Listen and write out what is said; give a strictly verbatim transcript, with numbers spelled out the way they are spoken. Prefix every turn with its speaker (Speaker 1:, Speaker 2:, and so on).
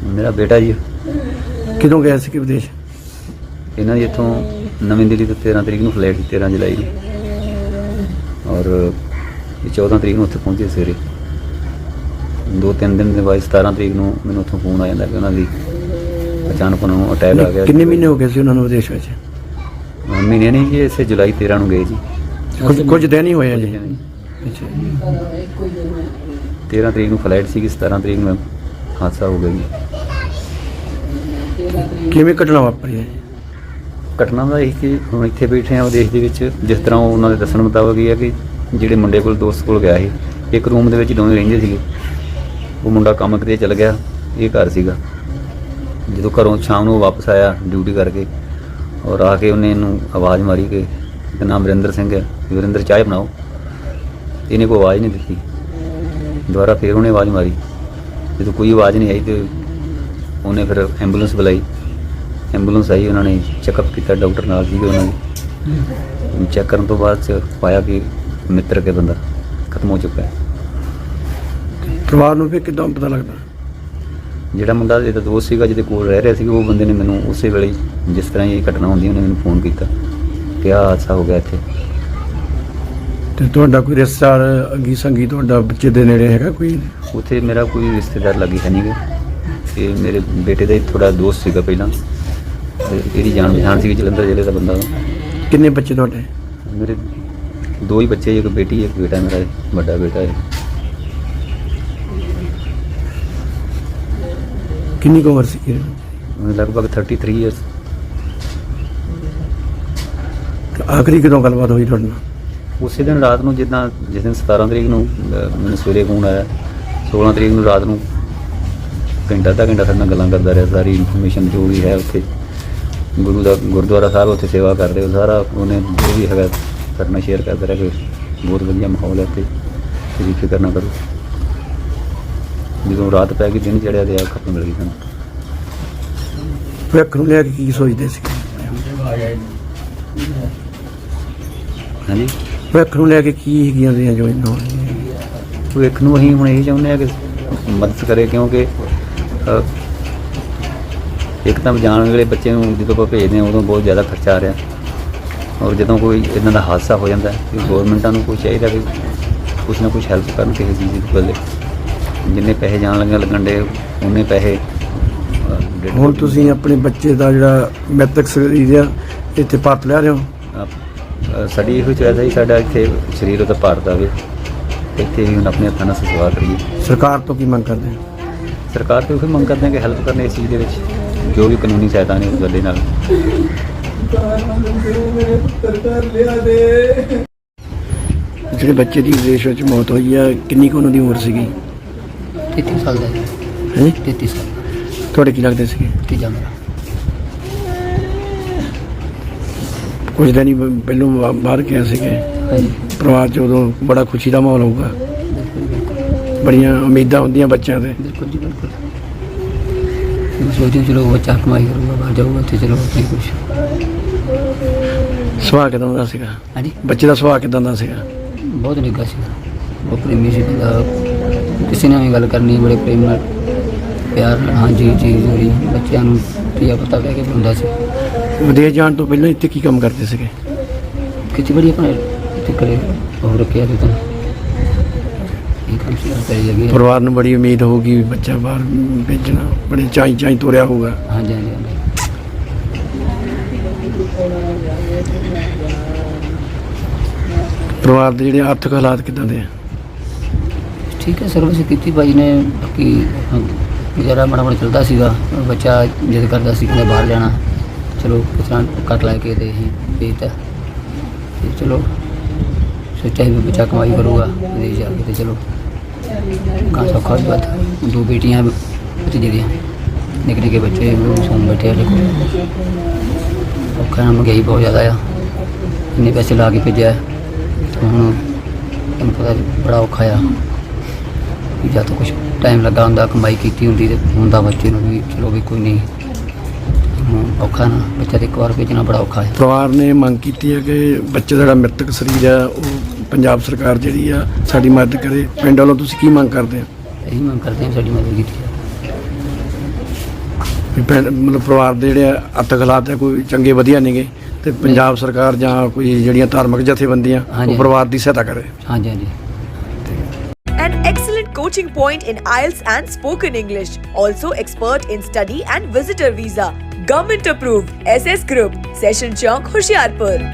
Speaker 1: ਮੇਰਾ ਬੇਟਾ ਜੀ।
Speaker 2: ਕਿਦੋਂ ਗਿਆ ਸੀ ਕਿ ਵਿਦੇਸ਼?
Speaker 1: ਇਹਨਾਂ ਦੀ ਇੱਥੋਂ ਨਵੀਂ ਦਿੱਲੀ ਤੋਂ ਤੇਰ੍ਹਾਂ ਤਰੀਕ ਨੂੰ ਫਲਾਈਟ ਸੀ, ਤੇਰ੍ਹਾਂ ਜੁਲਾਈ ਨੂੰ, ਔਰ ਚੌਦਾਂ ਤਰੀਕ ਨੂੰ ਉੱਥੇ ਪਹੁੰਚੇ ਸਵੇਰੇ। ਦੋ ਤਿੰਨ ਦਿਨ ਦੇ ਬਾਅਦ ਸਤਾਰਾਂ ਤਰੀਕ ਨੂੰ ਮੈਨੂੰ ਉੱਥੋਂ ਫੋਨ ਆ ਜਾਂਦਾ ਕਿ ਉਹਨਾਂ ਦੀ ਅਚਾਨਕ ਉਹਨਾਂ ਨੂੰ ਅਟੈਕ ਆ ਗਿਆ।
Speaker 2: ਕਿੰਨੇ ਮਹੀਨੇ ਹੋ ਗਏ ਸੀ ਉਹਨਾਂ ਨੂੰ ਵਿਦੇਸ਼ ਵਿੱਚ?
Speaker 1: ਮਹੀਨੇ ਨਹੀਂ ਜੀ, ਇਸੇ ਜੁਲਾਈ ਤੇਰ੍ਹਾਂ ਨੂੰ ਗਏ ਜੀ।
Speaker 2: ਕੁਝ ਕੁਝ ਦਿਨ ਹੀ ਹੋਏ ਆ ਜੀ। ਅੱਛਾ।
Speaker 1: ਤੇਰ੍ਹਾਂ ਤਰੀਕ ਨੂੰ ਫਲਾਈਟ ਸੀਗੀ, ਸਤਾਰਾਂ ਤਰੀਕ ਨੂੰ ਹਾਦਸਾ ਹੋ ਗਿਆ ਜੀ।
Speaker 2: ਕਿਵੇਂ ਘਟਨਾ ਵਾਪਰੀ ਹੈ?
Speaker 1: ਘਟਨਾ ਦਾ ਇਹ ਕਿ ਹੁਣ ਇੱਥੇ ਬੈਠੇ ਆ ਵਿਦੇਸ਼ ਦੇ ਵਿੱਚ, ਜਿਸ ਤਰ੍ਹਾਂ ਉਹਨਾਂ ਦੇ ਦੱਸਣ ਮੁਤਾਬਕ ਇਹ ਹੈ ਕਿ ਜਿਹੜੇ ਮੁੰਡੇ ਕੋਲ ਦੋਸਤ ਕੋਲ ਗਿਆ ਸੀ, ਇੱਕ ਰੂਮ ਦੇ ਵਿੱਚ ਦੋਵੇਂ ਰਹਿੰਦੇ ਸੀਗੇ। ਉਹ ਮੁੰਡਾ ਕੰਮ ਕਿਤੇ ਚਲ ਗਿਆ, ਇਹ ਘਰ ਸੀਗਾ। ਜਦੋਂ ਘਰੋਂ ਸ਼ਾਮ ਨੂੰ ਵਾਪਸ ਆਇਆ ਡਿਊਟੀ ਕਰਕੇ, ਔਰ ਆ ਕੇ ਉਹਨੇ ਇਹਨੂੰ ਆਵਾਜ਼ ਮਾਰੀ ਕਿ ਇਹਦਾ ਨਾਮ ਵਰਿੰਦਰ ਸਿੰਘ ਹੈ, ਵਰਿੰਦਰ ਚਾਹ ਬਣਾਓ। ਇਹਨੇ ਕੋਈ ਆਵਾਜ਼ ਨਹੀਂ ਦਿੱਤੀ। ਦੁਬਾਰਾ ਫਿਰ ਉਹਨੇ ਆਵਾਜ਼ ਮਾਰੀ, ਜਦੋਂ ਕੋਈ ਆਵਾਜ਼ ਨਹੀਂ ਆਈ ਤੇ ਉਹਨੇ ਫਿਰ ਐਂਬੂਲੈਂਸ ਬੁਲਾਈ। ਐਂਬੂਲੈਂਸ ਆਈ, ਉਹਨਾਂ ਨੇ ਚੈੱਕਅਪ ਕੀਤਾ, ਡਾਕਟਰ ਨਾਲ ਸੀਗੇ ਉਹਨਾਂ ਦੇ। ਚੈੱਕ ਕਰਨ ਤੋਂ ਬਾਅਦ 'ਚ ਪਾਇਆ ਕਿ ਮਿੱਤਰ ਕੇ ਬੰਦਾ ਖਤਮ ਹੋ ਚੁੱਕਾ ਹੈ।
Speaker 2: ਪਰਿਵਾਰ ਨੂੰ ਫਿਰ ਕਿੱਦਾਂ ਪਤਾ ਲੱਗਦਾ?
Speaker 1: ਜਿਹੜਾ ਮੁੰਡਾ ਇਹਦਾ ਦੋਸਤ ਸੀਗਾ, ਜਿਹਦੇ ਕੋਲ ਰਹਿ ਰਿਹਾ ਸੀ, ਉਹ ਬੰਦੇ ਨੇ ਮੈਨੂੰ ਉਸੇ ਵੇਲੇ, ਜਿਸ ਤਰ੍ਹਾਂ ਇਹ ਘਟਨਾ ਹੁੰਦੀ, ਉਹਨੇ ਮੈਨੂੰ ਫੋਨ ਕੀਤਾ ਕਿ ਆਹ ਹਾਦਸਾ ਹੋ ਗਿਆ ਇੱਥੇ।
Speaker 2: ਤੇ ਤੁਹਾਡਾ ਕੋਈ ਰਿਸ਼ਤੇਦਾਰ ਅੱਗੀ ਸੰਗੀ ਤੁਹਾਡਾ ਬੱਚੇ ਦੇ ਨੇੜੇ ਹੈਗਾ ਕੋਈ?
Speaker 1: ਉੱਥੇ ਮੇਰਾ ਕੋਈ ਰਿਸ਼ਤੇਦਾਰ ਲੱਗੇ ਹੈ ਨਹੀਂ ਗਾ। ਇਹ ਮੇਰੇ ਬੇਟੇ ਦਾ ਥੋੜਾ ਦੋਸਤ ਸੀਗਾ ਪਹਿਲਾਂ, ਇਹਦੀ ਜਾਣ ਪਛਾਣ ਸੀਗੀ, ਜਲੰਧਰ ਜ਼ਿਲ੍ਹੇ ਦਾ ਬੰਦਾ।
Speaker 2: ਕਿੰਨੇ ਬੱਚੇ ਤੁਹਾਡੇ?
Speaker 1: ਮੇਰੇ ਦੋ ਹੀ ਬੱਚੇ, ਇੱਕ ਬੇਟੀ ਇੱਕ ਬੇਟਾ, ਮੇਰਾ ਵੱਡਾ ਬੇਟਾ ਹੈ।
Speaker 2: ਕਿੰਨੀ ਕੁ ਉਮਰ ਸੀ?
Speaker 1: ਲਗਭਗ ਥਰਟੀ ਥ੍ਰੀ ਈਅਰਸ।
Speaker 2: ਆਖਰੀ ਕਦੋਂ ਗੱਲਬਾਤ ਹੋਈ ਤੁਹਾਡੇ ਨਾਲ?
Speaker 1: ਉਸੇ ਦਿਨ ਰਾਤ ਨੂੰ, ਜਿੱਦਾਂ ਜਿਸ ਦਿਨ ਸਤਾਰਾਂ ਤਰੀਕ ਨੂੰ ਮੈਨੂੰ ਸਵੇਰੇ ਫੋਨ ਆਇਆ, ਸੋਲਾਂ ਤਰੀਕ ਨੂੰ ਰਾਤ ਨੂੰ ਘੰਟਾ ਅੱਧਾ ਘੰਟਾ ਸਾਡੇ ਨਾਲ ਗੱਲਾਂ ਕਰਦਾ ਰਿਹਾ। ਸਾਰੀ ਇਨਫੋਰਮੇਸ਼ਨ ਜੋ ਵੀ ਹੈ ਉੱਥੇ ਗੁਰੂ ਦਾ ਗੁਰਦੁਆਰਾ ਸਾਹਿਬ ਉੱਥੇ ਸੇਵਾ ਕਰਦੇ, ਉਹ ਸਾਰਾ ਉਹਨੇ ਜੋ ਵੀ ਹੈਗਾ ਸਾਡੇ ਨਾਲ ਸ਼ੇਅਰ ਕਰਦਾ ਰਿਹਾ ਕਿ ਬਹੁਤ ਵਧੀਆ ਮਾਹੌਲ ਹੈ ਇੱਥੇ, ਤੁਸੀਂ ਫਿਕਰ ਨਾ ਕਰੋ। ਜਦੋਂ ਰਾਤ ਪੈ ਗਈ, ਦਿਨ ਚੜ੍ਹਿਆ ਤੇ ਆ ਖਤਮ ਮਿਲ ਗਈ ਸਾਨੂੰ।
Speaker 2: ਭਵਿੱਖ ਨੂੰ ਲੈ ਕੇ ਕੀ ਸੋਚਦੇ ਸੀ?
Speaker 1: ਹਾਂਜੀ,
Speaker 2: ਭਵਿੱਖ ਨੂੰ ਲੈ ਕੇ ਕੀ ਹੈਗੀਆਂ ਦੀਆਂ ਜੋ ਇਹਨਾਂ
Speaker 1: ਭਵਿੱਖ ਨੂੰ ਅਸੀਂ ਹੁਣ ਇਹੀ ਚਾਹੁੰਦੇ ਹਾਂ ਕਿ ਮਦਦ ਕਰੇ, ਕਿਉਂਕਿ ਇੱਕ ਤਾਂ ਜਾਣ ਵੇਲੇ ਬੱਚੇ ਨੂੰ ਜਦੋਂ ਆਪਾਂ ਭੇਜਦੇ ਹਾਂ ਉਦੋਂ ਬਹੁਤ ਜ਼ਿਆਦਾ ਖਰਚਾ ਆ ਰਿਹਾ, ਔਰ ਜਦੋਂ ਕੋਈ ਇੱਦਾਂ ਦਾ ਹਾਦਸਾ ਹੋ ਜਾਂਦਾ ਕਿ ਗੌਰਮੈਂਟਾਂ ਨੂੰ ਕੋਈ ਚਾਹੀਦਾ ਕਿ ਕੁਛ ਨਾ ਕੁਛ ਹੈਲਪ ਕਰਨ ਕਿਸੇ ਚੀਜ਼ ਦੀ ਬਦਲੇ। ਜਿੰਨੇ ਪੈਸੇ ਜਾਣ ਲੱਗਿਆ ਲੱਗਣ ਡੇ, ਉਨੇ ਪੈਸੇ।
Speaker 2: ਹੁਣ ਤੁਸੀਂ ਆਪਣੇ ਬੱਚੇ ਦਾ ਜਿਹੜਾ ਮੈਤਕ ਸਰੀਰ ਆ ਇੱਥੇ ਭਾਰਤ ਲੈ ਰਹੇ ਹੋ?
Speaker 1: ਸਾਡੀ ਇਹੋ ਚਾਹੀਦਾ ਸੀ ਸਾਡਾ ਇੱਥੇ ਸਰੀਰ ਉਹਦਾ ਭਾਰਤ ਆਵੇ, ਇੱਥੇ ਵੀ ਹੁਣ ਆਪਣੇ ਹੱਥਾਂ ਨਾਲ ਸੇਵਾ ਕਰੀਏ। ਸਰਕਾਰ ਤੋਂ ਕੀ ਮੰਗ ਕਰਦੇ ਹੋ? ਸਰਕਾਰ ਤੋਂ ਇਹ ਮੰਗ ਕਰਦੇ ਹਾਂ ਕਿ ਹੈਲਪ ਕਰਨ ਇਸ ਚੀਜ਼ ਦੇ ਵਿੱਚ, ਜੋ ਵੀ ਕਾਨੂੰਨੀ ਸਹਾਇਤਾ ਨੇ ਉਸ ਗੱਲੇ ਨਾਲ।
Speaker 2: ਜਿਹੜੇ ਬੱਚੇ ਦੀ ਵਿਦੇਸ਼ ਵਿੱਚ ਮੌਤ ਹੋਈ ਆ, ਕਿੰਨੀ ਕੁ ਉਹਨਾਂ ਦੀ ਉਮਰ ਸੀਗੀ?
Speaker 3: ਤੇਤੀ ਸਾਲ ਦਾ
Speaker 2: ਹੈ।
Speaker 3: ਤੇਤੀ ਸਾਲ।
Speaker 2: ਤੁਹਾਡੇ ਕੀ ਲੱਗਦੇ ਸੀਗੇ?
Speaker 3: ਤੀਜਾ ਮੇਰਾ।
Speaker 2: ਕੁਝ ਦਿਨ ਹੀ ਪਹਿਲੋਂ ਬਾ- ਬਾਹਰ ਗਿਆ ਸੀਗੇ। ਪਰਿਵਾਰ 'ਚ ਉਦੋਂ ਬੜਾ ਖੁਸ਼ੀ ਦਾ ਮਾਹੌਲ ਹੋਊਗਾ, ਬੜੀਆਂ ਉਮੀਦਾਂ ਹੁੰਦੀਆਂ ਬੱਚਿਆਂ ਦੇ।
Speaker 3: ਬਿਲਕੁਲ ਜੀ ਬਿਲਕੁਲ। ਸੋਚਦੇ ਚਲੋ ਬੱਚਾ ਕਮਾਈ ਕਰੂਗਾ, ਬਾਹਰ ਜਾਊਗਾ, ਉੱਥੇ ਚਲੋ ਆਪਣੀ ਕੁਛ।
Speaker 2: ਸੁਭਾਅ ਕਿੱਦਾਂ ਦਾ ਸੀਗਾ?
Speaker 3: ਹਾਂਜੀ,
Speaker 2: ਬੱਚੇ ਦਾ ਸੁਭਾਅ ਕਿੱਦਾਂ ਦਾ ਸੀਗਾ?
Speaker 3: ਬਹੁਤ ਨਿੱਘਾ ਸੀ, ਬਹੁਤ ਪ੍ਰੇਮੀ ਸੀ ਬੰਦਾ। ਕਿਸੇ ਨਾਲ ਵੀ ਗੱਲ ਕਰਨੀ ਬੜੇ ਪ੍ਰੇਮ ਨਾਲ, ਪਿਆਰ ਨਾਲ। ਹਾਂਜੀ ਜੀ ਜੀ, ਬੱਚਿਆਂ ਨੂੰ ਧੀਆ ਪਤਾ ਕਹਿ ਕੇ ਬੁਲਾਉਂਦਾ ਸੀ।
Speaker 2: ਵਿਦੇਸ਼ ਜਾਣ ਤੋਂ ਪਹਿਲਾਂ ਇੱਥੇ ਕੀ ਕੰਮ ਕਰਦੇ ਸੀਗੇ?
Speaker 3: ਖੇਤੀਬਾੜੀ ਆਪਣਾ ਇੱਥੇ ਕਰੇ ਉਹ ਰੱਖਿਆ ਸੀ ਤਾਂ ਇਹ ਕੰਮ ਸੀ ਕਰੀ ਲੱਗੀ।
Speaker 2: ਪਰਿਵਾਰ ਨੂੰ ਬੜੀ ਉਮੀਦ ਹੋਊਗੀ ਵੀ ਬੱਚਾ ਬਾਹਰ ਭੇਜਣਾ, ਬੜੇ ਚਾਈ ਚਾਈ ਤੋਰਿਆ ਹੋਊਗਾ।
Speaker 3: ਹਾਂਜੀ ਹਾਂਜੀ ਹਾਂਜੀ।
Speaker 2: ਪਰਿਵਾਰ ਦੇ ਜਿਹੜੇ ਆਰਥਿਕ ਹਾਲਾਤ ਕਿੱਦਾਂ ਦੇ ਆ?
Speaker 3: ਠੀਕ ਹੈ, ਸਰਵਿਸ ਕੀਤੀ ਭਾਈ ਨੇ। ਬਾਕੀ ਗੁਜ਼ਾਰਾ ਮਾੜਾ ਮਾੜਾ ਚੱਲਦਾ ਸੀਗਾ। ਬੱਚਾ ਜਿੱਦ ਕਰਦਾ ਸੀ ਕਿ ਬਾਹਰ ਜਾਣਾ, ਚਲੋ ਕਿਸ ਤਰ੍ਹਾਂ ਕੱਟ ਲੈ ਕੇ ਤੇ ਅਸੀਂ ਭੇਜਤਾ। ਤੇ ਚਲੋ ਸੋਚਿਆ ਵੀ ਬੱਚਾ ਕਮਾਈ ਕਰੂਗਾ ਵਿਦੇਸ਼ ਜਾ ਕੇ, ਤੇ ਚਲੋ ਕਾਂ ਸੌਖਾ ਵੀ ਬਾਤ। ਦੋ ਬੇਟੀਆਂ ਭਤੀਜੇ ਦੀਆਂ, ਨਿੱਕੇ ਨਿੱਕੇ ਬੱਚੇ ਸੌਂ ਬੈਠੇ ਆ। ਦੇਖੋ ਔਖਾ ਨਾ, ਮਹਿੰਗਾਈ ਬਹੁਤ ਜ਼ਿਆਦਾ ਆ, ਇੰਨੇ ਪੈਸੇ ਲਾ ਕੇ ਭੇਜਿਆ। ਹੁਣ ਤੁਹਾਨੂੰ ਪਤਾ ਬੜਾ ਔਖਾ ਆ। ਜਾਂ ਤਾਂ ਕੁਛ ਟਾਈਮ ਲੱਗਾ ਹੁੰਦਾ, ਕਮਾਈ ਕੀਤੀ ਹੁੰਦੀ ਤੇ ਹੁੰਦਾ ਬੱਚੇ ਨੂੰ ਵੀ ਚਲੋ ਵੀ ਕੋਈ ਨਹੀਂ। ਔਖਾ ਨਾ, ਬੱਚਾ ਤੇ ਇੱਕ ਵਾਰ ਭੇਜਣਾ ਬੜਾ ਔਖਾ ਹੈ।
Speaker 2: ਪਰਿਵਾਰ ਨੇ ਮੰਗ ਕੀਤੀ ਹੈ ਕਿ ਬੱਚੇ ਦਾ ਜਿਹੜਾ ਮ੍ਰਿਤਕ ਸਰੀਰ ਆ ਉਹ ਪੰਜਾਬ ਸਰਕਾਰ ਜਿਹੜੀ ਆ ਸਾਡੀ ਮਦਦ ਕਰੇ। ਪਿੰਡ ਵੱਲੋਂ ਤੁਸੀਂ ਕੀ ਮੰਗ ਕਰਦੇ ਹੋ?
Speaker 3: ਇਹੀ ਮੰਗ ਕਰਦੇ ਹਾਂ ਸਾਡੀ ਮਦਦ ਕੀਤੀ ਜਾਵੇ।
Speaker 2: ਵੀ ਪਿੰਡ ਮਤਲਬ ਪਰਿਵਾਰ ਦੇ ਜਿਹੜੇ ਅਰਥ ਹਾਲਾਤ ਹੈ ਕੋਈ ਚੰਗੇ ਵਧੀਆ ਨੇਗੇ ਤੇ ਪੰਜਾਬ ਸਰਕਾਰ ਜਾਂ ਕੋਈ ਜਿਹੜੀਆਂ ਧਾਰਮਿਕ ਜਥੇਬੰਦੀਆਂ
Speaker 3: ਹਾਂਜੀ।
Speaker 2: ਉਹ ਪਰਿਵਾਰ ਦੀ ਸਹਾਇਤਾ ਕਰੇ।
Speaker 3: ਹਾਂਜੀ ਹਾਂਜੀ
Speaker 4: An excellent coaching point in I E L T S and spoken English. Also expert in study and visitor visa. Government approved. S S Group. Session Chowk, Hoshiarpur.